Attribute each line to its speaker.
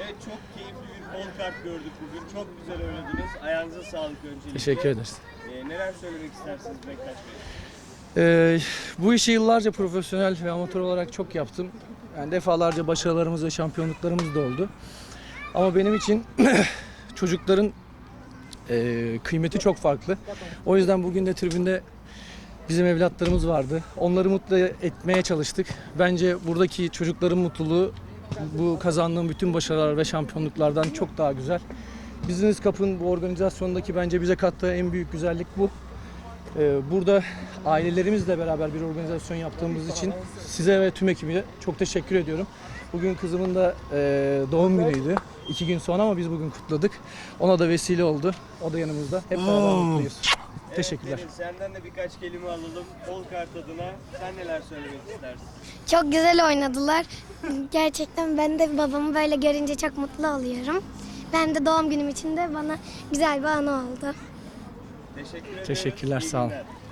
Speaker 1: Evet, çok keyifli bir bol kart gördük bugün. Çok güzel oynadınız. Ayağınıza sağlık öncelikle.
Speaker 2: Teşekkür ederiz.
Speaker 1: Neler söylemek istersiniz Bektaş Bey?
Speaker 2: Bu işi yıllarca profesyonel ve amatör olarak çok yaptım. Yani defalarca başarılarımız ve şampiyonluklarımız da oldu. Ama benim için çocukların kıymeti çok farklı. O yüzden bugün de tribünde bizim evlatlarımız vardı. Onları mutlu etmeye çalıştık. Bence buradaki çocukların mutluluğu bu kazandığım bütün başarılar ve şampiyonluklardan çok daha güzel. Business Cup'ın bu organizasyondaki bence bize kattığı en büyük güzellik bu. Burada ailelerimizle beraber bir organizasyon yaptığımız için size ve tüm ekibe çok teşekkür ediyorum. Bugün kızımın da doğum günüydü. 2 gün sonra ama biz bugün kutladık. Ona da vesile oldu. O da yanımızda. Hep beraber mutluyuz. Teşekkürler.
Speaker 1: Evet, senden de birkaç kelime alalım. Bol kart adına sen neler söylemek istersin?
Speaker 3: Çok güzel oynadılar. Gerçekten ben de babamı böyle görünce çok mutlu oluyorum. Ben de doğum günüm için de bana güzel bir anı oldu.
Speaker 1: Teşekkür ederim.
Speaker 2: Teşekkürler,
Speaker 1: İyi
Speaker 2: sağ olun.
Speaker 1: günler.